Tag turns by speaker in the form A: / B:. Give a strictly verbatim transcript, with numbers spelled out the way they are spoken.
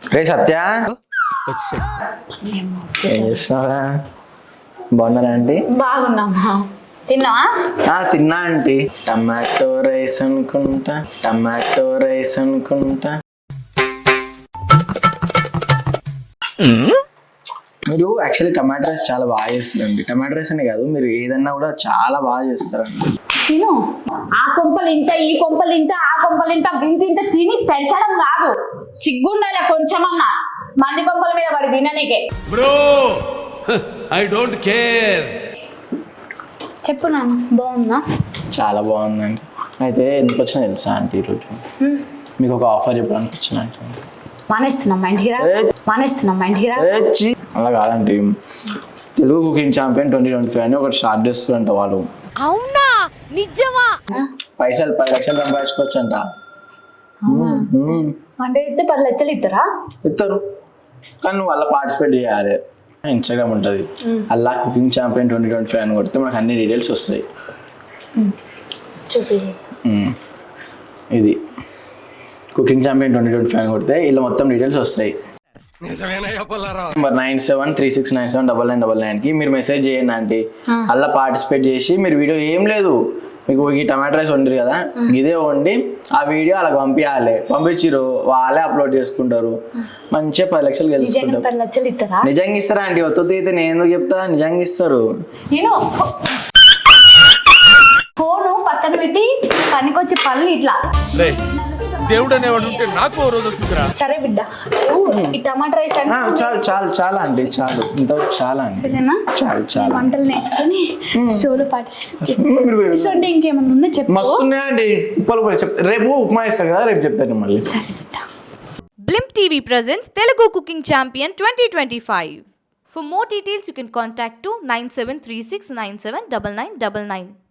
A: రే సత్య ఏం చేస్తున్నారా? బాగున్నారా ఆంటీ?
B: బాగున్నామా. తిన్నావా?
A: తిన్నా ఆంటీ. టమాటో రైస్ అనుకుంటా, టమాటో రైస్ అనుకుంటా. మీరు యాక్చువల్లీ టమాటో రైస్ చాలా బాగా చేస్తారండి. టమాటో రైస్ అనే కాదు, మీరు ఏదన్నా కూడా చాలా బాగా చేస్తారండి.
B: తిను. ఆ కొంపలు ఇంత, ఈ కొంపలు ఇంత, ఆ కొంపలు ఇంత, ఇంత ఇంత తిని పెంచడం కాదు, సిగ్గుండాలి కొంచెమన్నా. మంది కొంపల మీద పడి తిననీకే.
C: Bro I don't care.
B: చెప్పు నాన్న, బాగుందా?
A: చాలా బాగుందండి. అయితే ఎందుకు వచ్చినా తెలుసా ఆంటీ? ఈరోజు మీకు ఒక ఆఫర్ చెప్పడానికి వచ్చిన.
B: మానేస్తున్నాం మా ఇంటికి రా, మానేస్తున్నాం మా ఇంటికి రా.
A: అలా కాదండి, Telugu cooking champion twenty twenty five అని ఒకటి స్టార్ట్ చేస్తారంట వాళ్ళు.
D: అవునా? నిజమా?
A: పైసలు పది లక్షలు సంపాదించుకోవచ్చు అంట.
B: అంటే ఇస్తే పది లక్షలు ఇస్తారా?
A: ఇస్తారు, కానీ నువ్వు అలా పార్టిసిపేట్ చేయాలి. ఇన్స్టాగ్రామ్ ఉంటుంది, అలా cooking champion twenty twenty five అని కొడితే మనకు అన్ని డీటెయిల్స్ వస్తాయి.
B: చూపి.
A: ఇది cooking champion twenty twenty five అని కొడితే ఇలా మొత్తం డీటెయిల్స్ వస్తాయి. Number nine seven three six nine seven double nine double nine కి మీరు మెసేజ్ చేయండి ఆంటీ. అలా పార్టిసిపేట్ చేసి మీరు వీడియో ఏం లేదు, మీకు ఈ టమాటో రైస్ వండిరు కదా, ఇదే వండి ఆ వీడియో అలా పంపించాలి. పంపించిరు, వాళ్ళే అప్లోడ్ చేసుకుంటారు. మంచిగా పది లక్షలు గెలుచుకుంటారు.
B: పది లక్షలు ఇస్తారా?
A: నిజంగా ఇస్తారా ఆంటీ? ఒత్తుతో అయితే నేను ఎందుకు చెప్తా, నిజంగా ఇస్తారు.
B: నేను ఫోను పక్కన పెట్టి పనికొచ్చి పనులు ఇట్లా.
C: దేవుడు అనేవాడు ఉంటే నాకు ఓ రోజు వస్తుందిరా.
B: సరే బిడ్డ, ఈ టమాటా రైస్
A: చాలు చాలు చాలా అండి, చాలు ఇంత చాలా అండి.
B: సరేనా?
A: చాలు చాలు.
B: వంటలు నేర్చుకొని షోలో పార్టిసిపేట్. సో అంటే ఇంకేమన్నా ఉన్నా చెప్పు.
A: మస్తు ఉన్నాయండి ఉప్పలు కూడా చెప్తా. రేపు ఉప్మా ఇస్తారు కదా, రేపు చెప్తాను మళ్ళీ.
B: సరే బిడ్డ.
D: Blimp T V presents Telugu Cooking Champion twenty twenty-five. For more details, you can contact to nine seven three six nine seven nine nine nine nine.